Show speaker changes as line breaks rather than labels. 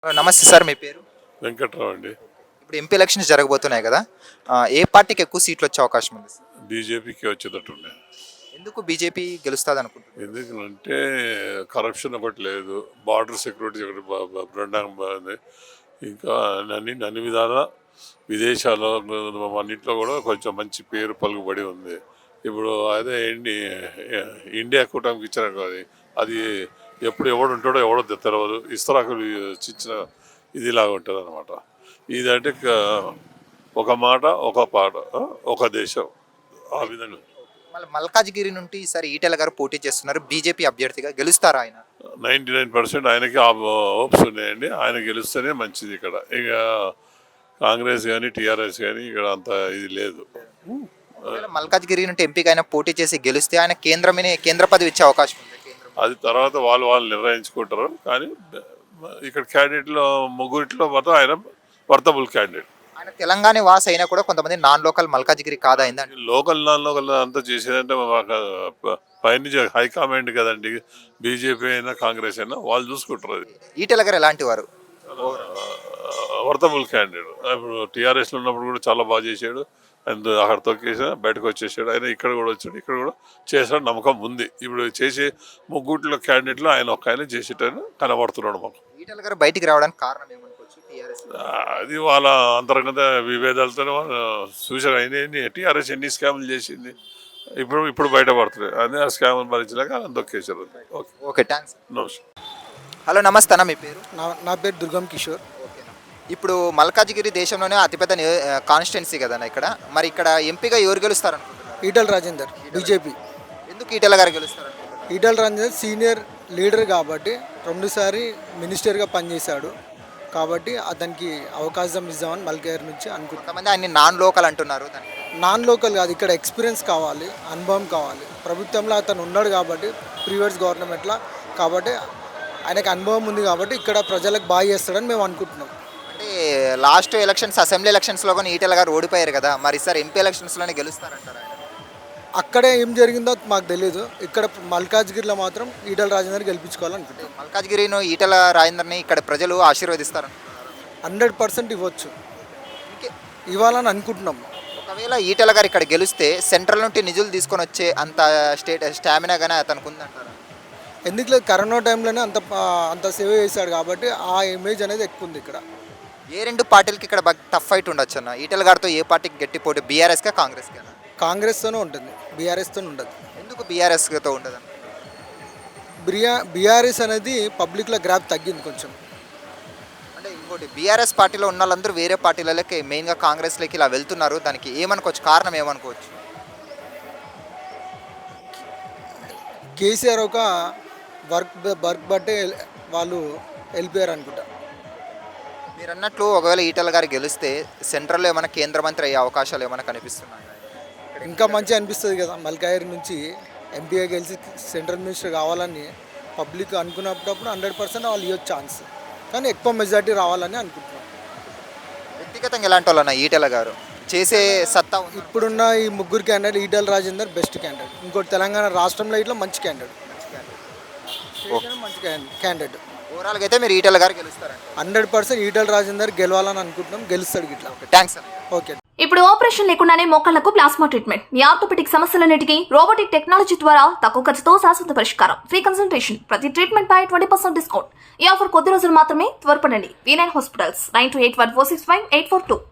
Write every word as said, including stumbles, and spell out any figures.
ఆ, నమస్తే సార్, మీ పేరు?
వెంకట్రావు అండి.
ఇప్పుడు ఎంపీ ఎలక్షన్స్ జరగబోతున్నాయి కదా. ఆ, ఏ పార్టీకి ఎక్కువ సీట్లు వచ్చే అవకాశం ఉంది సార్?
బీజేపీకి వచ్చేటట్టుండే.
ఎందుకు బీజేపీ గెలుస్తుంది అనుకుంటున్నారు?
ఎందుకంటే కరప్షన్ ఒకటి లేదు, బార్డర్ సెక్యూరిటీ ఒకటి బా- బా- బ్రహ్మాండంగా బాగుంది. ఇంకా అన్ని అన్ని విధాల విదేశాల్లో అన్నింటిలో కూడా కొంచెం మంచి పేరు పలుకుబడి ఉంది. ఇప్పుడు అదే ఇండి ఇండియా కూటమికి ఇచ్చారు అది అది ఎప్పుడు ఎవడు ఉంటాడో ఎవడో తెలియదు. ఇస్తరాకులు చిచ్చిన ఇదిలాగా ఉంటుంది అనమాట. ఇదంటే క- ఒక మాట ఒక పాట, ఆ, ఒక దేశం, ఆ విధంగా.
మళ్ళీ మల్కాజ్గిరి నుండి ఈసారి ఈటెల గారు పోటీ చేస్తున్నారు, బీజేపీ అభ్యర్థిగా గెలుస్తారా ఆయన?
నైంటీ నైన్ పర్సెంట్ ఆయనకి హోప్స్ ఉన్నాయండి. ఆయన గెలుస్తేనే మంచిది. ఇక్కడ ఇక కాంగ్రెస్ కానీ టీఆర్ఎస్ కానీ ఇక్కడ అంత ఇది లేదు.
ఒకవేళ మల్కాజ్గిరి నుండి ఎంపీగా ఆయన పోటీ చేసి గెలిస్తే ఆయన కేంద్రమే కేంద్ర పదవి ఇచ్చే అవకాశం ఉంది. కేంద్రం
అది తర్వాత వాళ్ళు వాళ్ళు నిర్ణయించుకుంటారు. కానీ ఇక్కడ క్యాండిడేట్లో ముగ్గురిట్లో మాత్రం ఆయన వర్తబుల్ క్యాండిడేట్.
ఆయన తెలంగాణ వాస్ అయినా కూడా కొంతమంది నాన్ లోకల్ మల్కాజ్గిరి కాదా అయిందండి.
లోకల్ నాన్ లోకల్ అంతా చేసేదంటే మాకు పైనుంచి హైకమాండ్ కదండి. బీజేపీ అయినా కాంగ్రెస్ అయినా వాళ్ళు చూసుకుంటారు. అది
ఈటెల గారు ఎలాంటి వారు?
Worthable candidate. ఇప్పుడు టీఆర్ఎస్లో ఉన్నప్పుడు కూడా చాలా బాగా చేశాడు. అండ్ అక్కడ తొక్కేసా బయటకు వచ్చేసాడు. ఆయన ఇక్కడ కూడా వచ్చాడు, ఇక్కడ కూడా చేసాడు. నమ్మకం ఉంది. ఇప్పుడు చేసే ముగ్గుట్లో క్యాండిడేట్లో ఆయన ఒక్క ఆయన చేసేటని కనబడుతున్నాడు మాకు.
ఈటెల గారు బయటికి రావడానికి కారణం ఏమనుకోవచ్చు? టీఆర్ఎస్
అది వాళ్ళ అంతర్గత విభేదాలతోనే వాళ్ళు చూసారు. ఆయన ఎన్ని టీఆర్ఎస్ ఎన్ని స్కాములు చేసింది ఇప్పుడు ఇప్పుడు బయటపడుతున్నాయి. అదే ఆ స్కాములు భరించలేక ఆయన తొక్కేశారు. Okay,
okay, thanks.
నమస్తే.
హలో, నమస్తే అన్న, మీ పేరు?
నా నా పేరు దుర్గం కిషోర్.
ఓకేనా. ఇప్పుడు మల్కాజ్గిరి దేశంలోనే అతిపెద్ద కాన్స్టిట్యున్సీ కదన్న ఇక్కడ. మరి ఇక్కడ ఎంపీగా ఎవరు గెలుస్తారు అనుకుంటున్నారు?
ఈటల రాజేందర్, బీజేపీ.
ఎందుకు ఈటెల గారు గెలుస్తారు అనుకుంటున్నారు?
ఈటల రాజేందర్ సీనియర్ లీడర్ కాబట్టి రెండుసారి మినిస్టర్గా పనిచేశాడు కాబట్టి అతనికి అవకాశం ఇద్దామని మల్కేర్ నుంచి అనుకుంటున్నాను.
కొంతమంది ఆయన నాన్ లోకల్ అంటున్నారు. దానికి
నాన్ లోకల్ కాదు, ఇక్కడ ఎక్స్పీరియన్స్ కావాలి, అనుభవం కావాలి. ప్రభుత్వంలో అతను ఉన్నాడు కాబట్టి, ప్రీవియస్ గవర్నమెంట్లో కాబట్టి ఆయనకు అనుభవం ఉంది కాబట్టి ఇక్కడ ప్రజలకు బాగా చేస్తాడని మేము అనుకుంటున్నాం.
అంటే లాస్ట్ ఎలక్షన్స్ అసెంబ్లీ ఎలక్షన్స్లో కానీ ఈటెల గారు ఓడిపోయారు కదా. మరి ఈసారి ఎంపీ ఎలక్షన్స్లోనే గెలుస్తారంటారు ఆయన?
అక్కడే ఏం జరిగిందో మాకు తెలియదు. ఇక్కడ మల్కాజ్గిరిలో మాత్రం ఈటల రాజేందర్ గెలిపించుకోవాలనుకుంటున్నాం.
మల్కాజ్గిరిను ఈటెల రాజేందర్ని ఇక్కడ ప్రజలు ఆశీర్వదిస్తారంటున్నారు.
హండ్రెడ్ పర్సెంట్ ఇవ్వచ్చు,
ఇంకే-
ఇవ్వాలని అనుకుంటున్నాం.
ఒకవేళ ఈటెల గారు ఇక్కడ గెలిస్తే సెంట్రల్ నుండి నిధులు తీసుకొని వచ్చే అంత స్టేట్ స్టామినా కానీ అతనికి ఉందంటారు.
ఎందుకు లేదు, కరోనా టైంలోనే అంత అంత సేవ చేశాడు కాబట్టి ఆ ఇమేజ్ అనేది ఎక్కువ ఉంది ఇక్కడ.
ఏ రెండు పార్టీలకి ఇక్కడ బాగా టఫ్ ఫైట్ ఉండొచ్చు అన్న? ఈటెల గారితో ఏ పార్టీకి గట్టి పోటీ? బీఆర్ఎస్కా కాంగ్రెస్కా?
కాంగ్రెస్తోనే ఉంటుంది, బీఆర్ఎస్తోనే ఉండదు.
ఎందుకు బీఆర్ఎస్తో ఉండదు?
బిఆ బీఆర్ఎస్ అనేది పబ్లిక్లో గ్రాప్ తగ్గింది కొంచెం.
అంటే ఇంకోటి, బీఆర్ఎస్ పార్టీలో ఉన్న వాళ్ళందరూ వేరే పార్టీలకి మెయిన్గా కాంగ్రెస్లోకి ఇలా వెళ్తున్నారు. దానికి ఏమనుకోవచ్చు? కారణం ఏమనుకోవచ్చు?
కేసీఆర్ ఒక వర్క్ వర్క్ బట్టే వాళ్ళు వెళ్ళిపోయారు అనుకుంటా.
మీరు అన్నట్లు ఒకవేళ ఈటెల గారు గెలిస్తే సెంట్రల్లో ఏమైనా కేంద్ర మంత్రి అయ్యే అవకాశాలు ఏమైనా కనిపిస్తున్నాయి?
ఇంకా మంచిగా అనిపిస్తుంది కదా, మల్కాయర్ నుంచి ఎంపీగా గెలిచి సెంట్రల్ మినిస్టర్ కావాలని పబ్లిక్ అనుకున్నప్పుడు హండ్రెడ్ పర్సెంట్ వాళ్ళు ఇవ్వచ్చు ఛాన్స్. కానీ ఎక్కువ మెజార్టీ రావాలని అనుకుంటున్నాం.
వ్యక్తిగతంగా ఎలాంటి వాళ్ళన్న ఈటెల గారు చేసే సత్తా ఉంది?
ఇప్పుడున్న ఈ ముగ్గురు candidate Etela Rajender best candidate. ఇంకోటి తెలంగాణ రాష్ట్రంలో ఇట్లా మంచి క్యాండిడేట్, మంచి క్యాండిడేట్.
ఓవరాల్గా అయితే మీరు ఈటెల గారు గెలుస్తారండి?
హండ్రెడ్ పర్సెంట్ ఈటల రాజేందర్ గెలవాలని అనుకుంటున్నాం, గెలుస్తాడు ఇట్లా.
థ్యాంక్స్ అన్న.
ఓకే.
ఇప్పుడు ఆపరేషన్ లేకుండానే మోకాళ్లకు ప్లాస్మా ట్రీట్మెంట్, మీ ఆర్థోపెటిక్ సమస్యలన్నిటికీ రోబోటిక్ టెక్నాలజీ ద్వారా తక్కువ ఖర్చుతో శాశ్వత పరిష్కారం, ఫ్రీ కన్సల్టేషన్, ప్రతి ట్రీట్మెంట్ పై ట్వంటీ పర్సెంట్ డిస్కౌంట్. ఈ ఆఫర్ కొద్ది రోజులు మాత్రమే, త్వరపడండి. V nine hospitals, nine two eight one four six five eight four two.